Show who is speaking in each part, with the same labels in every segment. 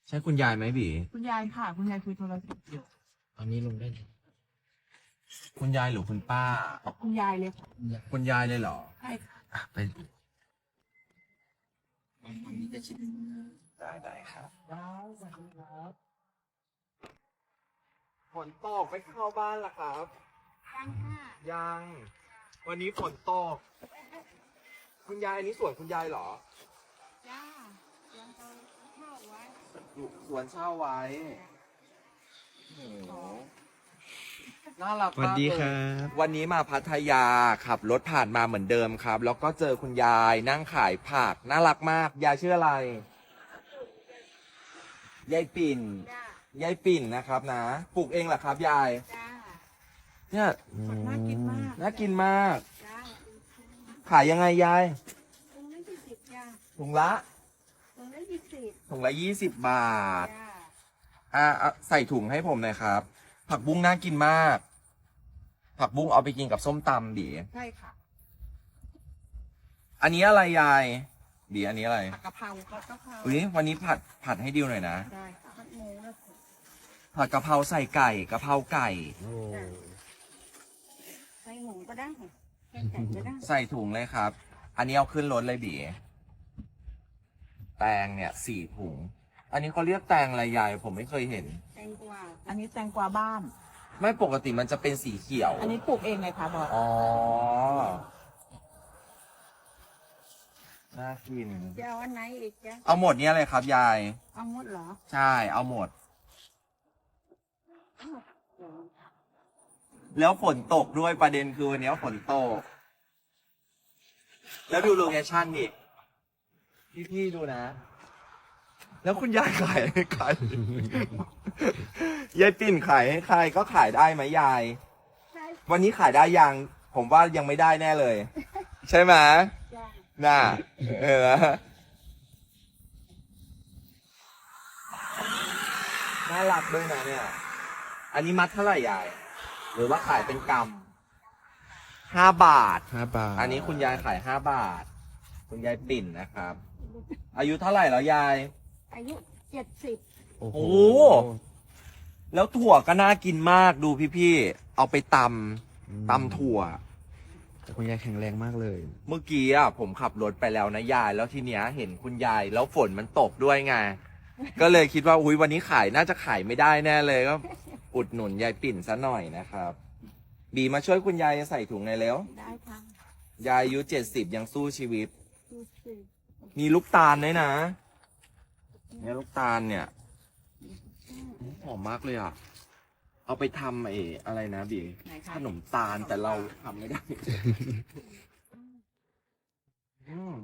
Speaker 1: ใช่คุณยายไหมบี
Speaker 2: คุณยายค่ะ คุณยายคุยโทรศัพท์อยู่
Speaker 1: อันนี้ลงได้คุณยายหรือคุณป้า
Speaker 2: คุณยายเลยค่ะ
Speaker 1: คุณยายเลยเหรอ
Speaker 2: ใช่ค่ะ
Speaker 1: ไปได้ครับ
Speaker 2: สวัสดีครับ
Speaker 1: ฝนตกไม่เข้าบ้านล่ะครับ
Speaker 2: ยังค่ะ
Speaker 1: ยังวันนี้ฝนตกคุณยายอันนี้สวนคุณยายเหรอ
Speaker 2: จ้ายังเอาเข้าไว้
Speaker 1: สวนเช่าไว้โอ้โหน่ารักมากเลย
Speaker 3: สวัสดีครับ
Speaker 1: วันนี้มาพัทยาขับรถผ่านมาเหมือนเดิมครับ แล้วก็เจอคุณยายนั่งขายผักน่ารักมากยายชื่ออะไรยายปิ่น
Speaker 2: จ้าย
Speaker 1: ายปิ่นนะครับนะปลูกเองเหรอครับยาย
Speaker 2: จ้า
Speaker 1: เนี่ย
Speaker 2: น่ากินมาก
Speaker 1: น่ากินมาก
Speaker 2: จ้า
Speaker 1: ขายยังไงยาย
Speaker 2: ตรงนั้น20จ้า
Speaker 1: ถุงละ
Speaker 2: ตรงนั้น20
Speaker 1: ถุงละ20 บาท
Speaker 2: จ้า
Speaker 1: ใส่ถุงให้ผมหน่อยครับ ผักบุ้งน่ากินมาก ผักบุ้งเอาไปกินกับส้มตำดี
Speaker 2: ใช่ค่ะ
Speaker 1: อันนี้อะไรยายดีอันนี้อะไร
Speaker 2: ผักกะเพราผัดกะเพรา
Speaker 1: อุ้ยวันนี้ผัดให้ดิวหน่อยนะ
Speaker 2: ได้ค่ะผัดหมูแล้ว
Speaker 1: ผัดกะเพราใส่ไก่กะเพราไก่
Speaker 2: ใส่หมูก็ได้ใส่ไก่ก็ได้
Speaker 1: ใส่ถุงเลยครับ อันนี้เอาขึ้นรถเลยบีแตงเนี่ย4 ถุง อันนี้เขาเรียกแตงอะไรยายผมไม่เคยเห็น
Speaker 2: แตงกวาอันนี้แตงกวาบ้าน
Speaker 1: ไม่ปกติมันจะเป็นสีเขียว
Speaker 2: อันนี้ปลูกเองไงคะบอส
Speaker 1: อ๋อ น่ากิน
Speaker 2: จะเอาอันไหนอีกจ๊ะ
Speaker 1: เอาหมดเนี้ยเลยครับยาย
Speaker 2: เอาหมดเหรอ
Speaker 1: ใช่ เอาหมด แล้วฝนตกด้วยประเด็นคือวันนี้ฝนตก แล้วดูโลเคชั่นดิพี่ๆดูนะ แล้วคุณยายขายให้ใคร ยายปิ่นขายให้ใครก็ขายได้ไหมยาย
Speaker 2: ใช่
Speaker 1: วันนี้ขายได้ยัง ผมว่ายังไม่ได้แน่เลย ใช่ไหม
Speaker 2: จ้ะ
Speaker 1: น่าน่ารักด้วยนะเนี่ย อันนี้มัดเท่าไหร่ยาย หรือว่าขายเป็นกำ5 บาท
Speaker 3: 5 บาท
Speaker 1: อันนี้คุณยายขาย5 บาท คุณยายปิ่นนะครับ อายุเท่าไหร่แล้วยาย
Speaker 2: อายุ70
Speaker 3: โอ้โห
Speaker 1: โอ้ แล้วถั่วก็น่ากินมากดูพี่ๆ เอาไปตำถั่ว
Speaker 3: แต่คุณยายแข็งแรงมากเลย
Speaker 1: เมื่อกี้อ่ะผมขับรถไปแล้วนะยาย แล้วทีเนี้ยเห็นคุณยาย แล้วฝนมันตกด้วยไง ก็เลยคิดว่าอุ้ยวันนี้ขายน่าจะขายไม่ได้แน่เลยก็อุดหนุนยายปิ่นซะหน่อยนะครับ บีมาช่วยคุณยายใส่ถุงในอยเร็ว
Speaker 2: ได้ค่ะ
Speaker 1: ยายอายุ70ยังสู้ชีวิต
Speaker 2: 70
Speaker 1: มีลูกตาลด้วยนะเนี่ยลูกตาลเนี่ยหอมมากเลยอ่ะ เอาไปทำอะไรนะบี
Speaker 2: ไหนคะ
Speaker 1: ขนมตาลแต่เราทำไม่ได้ อืม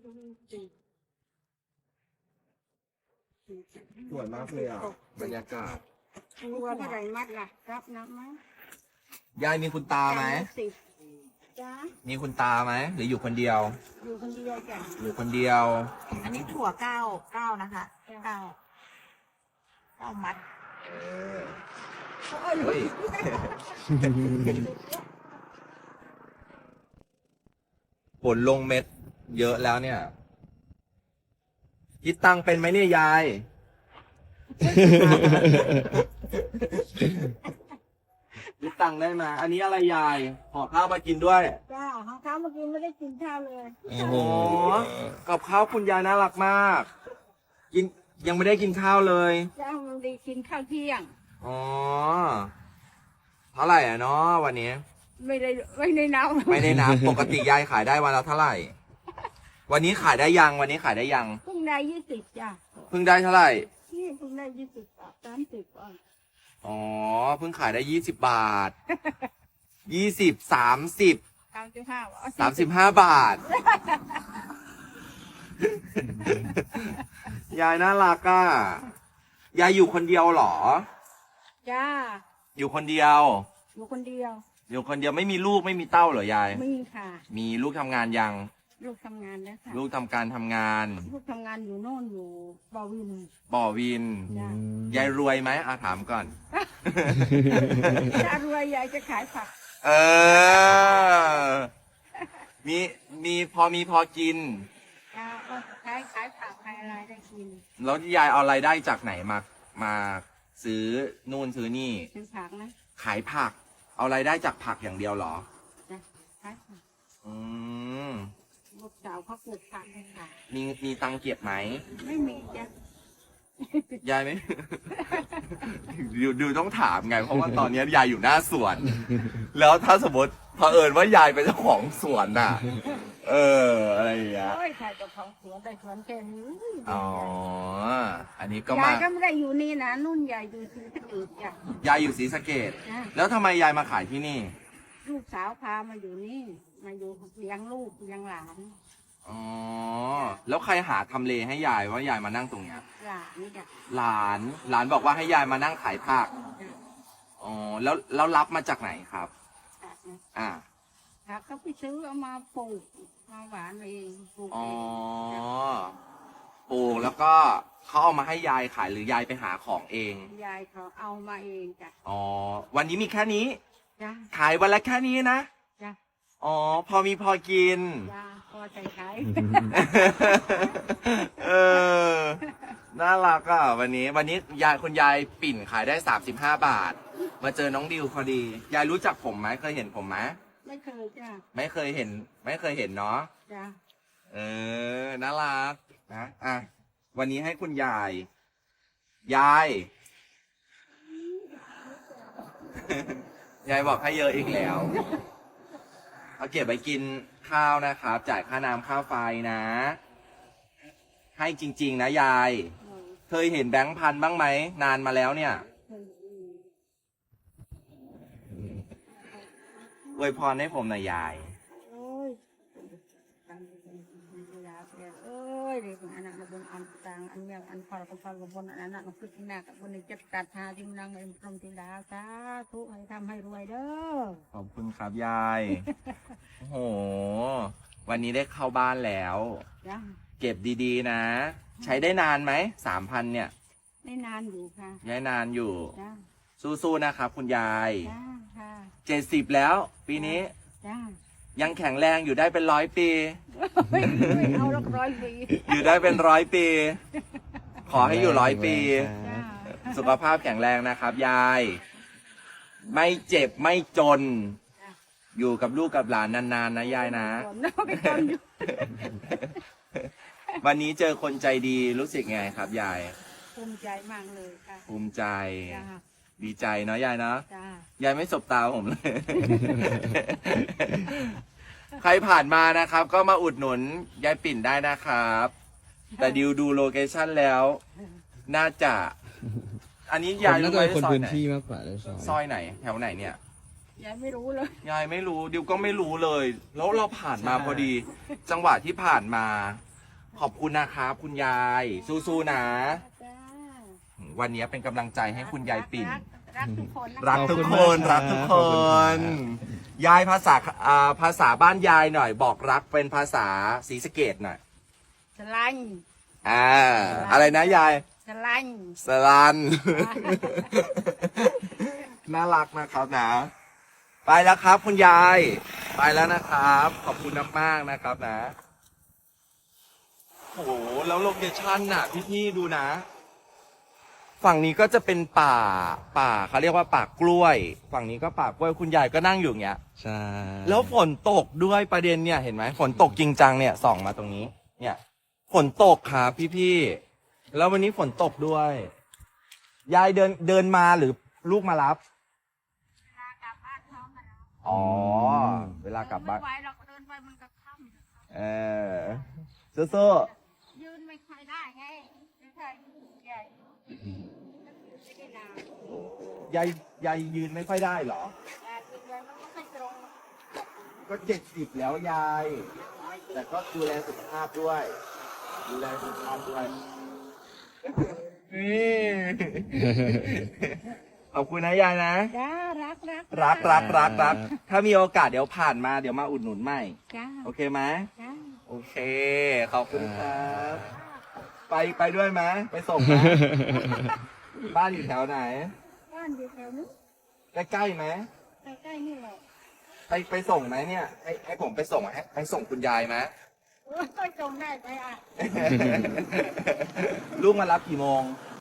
Speaker 1: สวยมากเลยอ่ะ บรรยากาศ
Speaker 2: ตัวเท่าไหร่มัดล่ะรับนับไหม
Speaker 1: ยายมีคุณตาไหม
Speaker 2: 10จ้า
Speaker 1: มีคุณตาไหมหรืออยู่คนเดียว
Speaker 2: อยู่คนเดียวจ้ะ
Speaker 1: อยู่คนเดียว
Speaker 2: อันนี้ถั่ว9นะคะ9มัด
Speaker 1: เฮ้ย ผลลงเม็ดเยอะแล้วเนี่ย คิดตังค์เป็นไหมเนี่ยยาย คิดตังค์ได้ไหมอันนี้อะไรยายห่อข้าวมากินด้วย
Speaker 2: จ้าของเขาเมื่อกี้ไม่ได้กินข้าวเลย
Speaker 1: โอ้โหกับข้าวคุณยายน่ารักมาก กินยังไม่ได้กินข้าวเลย
Speaker 2: จ้ามันได้กินข้าวเที่ยง
Speaker 1: อ๋อ เท่าไหร่อ่ะเนาะวันนี้
Speaker 2: ไม่ได้นับ
Speaker 1: ไม่ได้นับ ปกติยายขายได้วันละเท่าไหร่ วันนี้ขายได้ยัง วันนี้ขายได้ยัง
Speaker 2: เพิ่งได้20จ้า
Speaker 1: เพิ่งได้เท่าไหร่
Speaker 2: นี่เพิ่งได้20 บาท30 บาท
Speaker 1: อ๋อ เพิ่งขายได้20 บาท 20 30 35 บาท ยายน่ารักอ่ะ ยายอยู่คนเดียวเหรอ
Speaker 2: จ้า
Speaker 1: อยู่คนเดียว
Speaker 2: อยู่คนเดียว
Speaker 1: อยู่คนเดียวไม่มีลูกไม่มีเต้าเหรอยาย
Speaker 2: มีค่ะ
Speaker 1: มีลูกทำงานยัง
Speaker 2: ลูกทำงานแล้วค่ะ
Speaker 1: ลูกทำการทำงาน
Speaker 2: ลูกทำงานอยู่โน่นอยู่บอวิน
Speaker 1: บ่อวิน
Speaker 2: จ้ะ
Speaker 1: ยายรวยไหมถามก่อน
Speaker 2: ถ้ารวยยายจะขายผัก
Speaker 1: เออ มีพอกิน
Speaker 2: จ้าก็ขายผักขายอะไรายได้กิน
Speaker 1: แล้วยายเอารายได้จากไหนมาซื้อนู่นซื้อนี่
Speaker 2: ซื้อผักนะ
Speaker 1: ขายผัก เอารายได้จากผักอย่างเดียวเหรอ
Speaker 2: จ้ะขายผัก
Speaker 1: อืม
Speaker 2: ลูกสาวเขาปลูกผักให้ขาย
Speaker 1: มีตังค์เก็บไหม
Speaker 2: ไม่มีจ้ะ
Speaker 1: ยายไม่ ดูต้องถามไง เพราะว่าตอนนี้ยายอยู่หน้าสวน แล้วถ้าสมมติเผอิญว่ายายเป็นเจ้าของสวนน่ะ อะไรอย่างเงี้ย
Speaker 2: โอ้ยขายกับของสวนได้สวนแค่นี้
Speaker 1: อ๋อ อันนี้ก็
Speaker 2: ยาม
Speaker 1: าย
Speaker 2: ก็ไม่ได้อยู่นี่นะนุ่นยายอยู่ที่อื่นจ้ะ
Speaker 1: ยายอยู่ศรีสะเกษ
Speaker 2: จ้ะ
Speaker 1: แล้วทำไมยายมาขายที่นี่
Speaker 2: ลูกสาวพามาอยู่นี่ มาอยู่เลี้ยงลูกเลี้ยงหลาน
Speaker 1: อ๋อ แล้วใครหาทำเลให้ยายว่ายายมานั่งตรงเนี้ย
Speaker 2: หลานนี่จ้ะ
Speaker 1: หลานบอกว่าให้ยายมานั่งขายผัก อ๋อ แล้วรับมาจากไหนครับ อ่า
Speaker 2: ผักเขาไปซื้อเอามาปลูกมาหวานเองปลูก
Speaker 1: อ๋อ
Speaker 2: เองจ้ะ
Speaker 1: ปลูกแล้วก็เขาเอามาให้ยายขายหรือยายไปหาของเอง
Speaker 2: ยายเขาเอามาเองจ้ะ
Speaker 1: อ๋อ วันนี้มีแค่นี้
Speaker 2: จ้ะ
Speaker 1: ขายวันละแค่นี้นะ
Speaker 2: จ้ะ
Speaker 1: อ๋อ พอมีพอกิน
Speaker 2: จ้ะพอใจขาย
Speaker 1: เออ น่ารักอ่ะ วันนี้คุณยายปิ่นขายได้35 บาท มาเจอน้องดิวพอดี ยายรู้จักผมไหมเคยเห็นผมไหม
Speaker 2: ไม่เคยจ้ะ
Speaker 1: ไม่เคยเห็นเนาะ
Speaker 2: จ้ะ
Speaker 1: เออ น่ารักนะ อ่ะ วันนี้ให้คุณยาย ยาย ยายบอกให้เยอะอีกแล้ว เอาเก็บไปกินข้าวนะครับ จ่ายค่าน้ำค่าไฟนะ ให้จริง ๆ นะยาย เคยเห็นแบงค์พันบ้างไหม นานมาแล้วเนี่ยอวยพรให้ผมหน่อยยาย
Speaker 2: โอ้ยตังค์ยาเสียเอ้ยเด็กอันนั้นบนอันตังอันเมียอันพอกับพอกับบนอันนั้นก็คือที่หน้ากับบนนี้จะตัดหาที่นั่งเอ็มพรหมธิดาสาธุให้ทำให้รวยเด้อ
Speaker 1: ขอบคุณครับยาย โอ้โห วันนี้ได้เข้าบ้านแล้ว
Speaker 2: จ้ะ
Speaker 1: เก็บดีๆนะ ใช้ได้นานไหม3,000เนี่ย
Speaker 2: ไม่นานอยู่ค่ะ
Speaker 1: ย้ายนานอยู่
Speaker 2: จ้ะ
Speaker 1: สู้ๆนะครับคุณยาย
Speaker 2: จ้าค่ะ
Speaker 1: 70แล้ว ปีนี้
Speaker 2: จ้า
Speaker 1: ยังแข็งแรงอยู่ได้เป็น100 ปี
Speaker 2: ไม่เอาละ100 ปี
Speaker 1: อยู่ได้เป็น100 ปี ขอให้อยู่100 ปี
Speaker 2: จ้า
Speaker 1: สุขภาพแข็งแรงนะครับยาย ไม่เจ็บไม่จน อยู่กับลูกกับหลานนานๆนะยายนะ
Speaker 2: ก่อนเนาะไปก่อนอยู่
Speaker 1: วันนี้เจอคนใจดีรู้สึกไงครับยาย
Speaker 2: ภูมิใจมากเลยค่ะ
Speaker 1: ภูมิใจ
Speaker 2: จ้า
Speaker 1: ดีใจเนาะยายเนาะ
Speaker 2: จ้า
Speaker 1: ยายไม่สบตาผมเลย ใครผ่านมานะครับ ก็มาอุดหนุนยายปิ่นได้นะครับ แต่ดิวดูโลเคชั่นแล้ว น่าจะ อันนี้ยาย
Speaker 3: น่า
Speaker 1: รู้
Speaker 3: จะ
Speaker 1: ไหม
Speaker 3: เป็นคน
Speaker 1: ซอย
Speaker 3: พื้น
Speaker 1: ไหน
Speaker 3: ที่มากกว่าเลย
Speaker 1: ซอยไหน แถวไหนเนี่ย
Speaker 2: ยายไม่รู้เลย
Speaker 1: ยายไม่รู้ดิวก็ไม่รู้เลย แล้วเราผ่านมาพอดี จังหวะที่ผ่านมา ขอบคุณนะครับคุณยาย สู้ๆนะ
Speaker 2: จ้า
Speaker 1: วันนี้เป็นกำลังใจให้คุณยายปิ่น
Speaker 2: รักทุกคนนะ
Speaker 1: รักทุกคน รักทุกคน ยายภาษาบ้านยายหน่อย บอกรักเป็นภาษาศรีสะเกษหน่อย
Speaker 2: สลัน
Speaker 1: อะไรนะยาย
Speaker 2: สลัน
Speaker 1: สลัน น่ารักนะครับนะ ไปแล้วครับคุณยาย ไปแล้วนะครับ ขอบคุณมากๆนะครับนะ โอ้โห แล้วโลเคชั่นน่ะพี่ๆดูนะ ฝั่งนี้ก็จะเป็นป่าเขาเรียกว่าป่ากล้วย ฝั่งนี้ก็ป่ากล้วยคุณยายก็นั่งอยู่อย่างเงี้ย
Speaker 3: ใช่
Speaker 1: แล้วฝนตกด้วยประเด็นเนี่ยเห็นไหมฝนตกจริงจังเนี่ยส่องมาตรงนี้ เนี่ยฝนตกครับพี่ๆแล้ววันนี้ฝนตกด้วย ยายเดินมาหรือลูกมารับ
Speaker 2: เวลากลับบ้านท้องกันแล้ว
Speaker 1: อ๋อ เวลากลับบ้าน
Speaker 2: ไม่ไหวเราก็เดินไปมันก็ค่ำ
Speaker 1: เออสู้
Speaker 2: ยืนไม่ค่อยได้ไงไม่ใช่ใหญ่ไม่ได้นาน
Speaker 1: ๆยายยืนไม่ค่อยได้เหรอ
Speaker 2: แต่ยืนไว้มันก็ไม่ตรง
Speaker 1: ก็70แล้วยาย แต่ก็ดูแลสุขภาพด้วย ดูแลสุขภาพด้วยนี่ ขอบคุณนะยายนะ
Speaker 2: จ้ารัก
Speaker 1: ถ้ามีโอกาสเดี๋ยวผ่านมาเดี๋ยวมาอุดหนุนใหม่
Speaker 2: จ้า
Speaker 1: โอเคไหม
Speaker 2: จ้า
Speaker 1: โอเค ขอบคุณครับ ไปด้วยไหมไปส่งไหม บ้านอยู่แถวไหน
Speaker 2: บ้านอยู่แถวนี้
Speaker 1: ใกล้ๆไหม
Speaker 2: ใกล้ๆนี่แหละ
Speaker 1: ไปส่งไหมเนี่ยให้ผมไปส่งให้ส่งคุณยายไหม
Speaker 2: โอ้ก็จงได้ไปอ่ะ
Speaker 1: ลูกมารับกี่โมง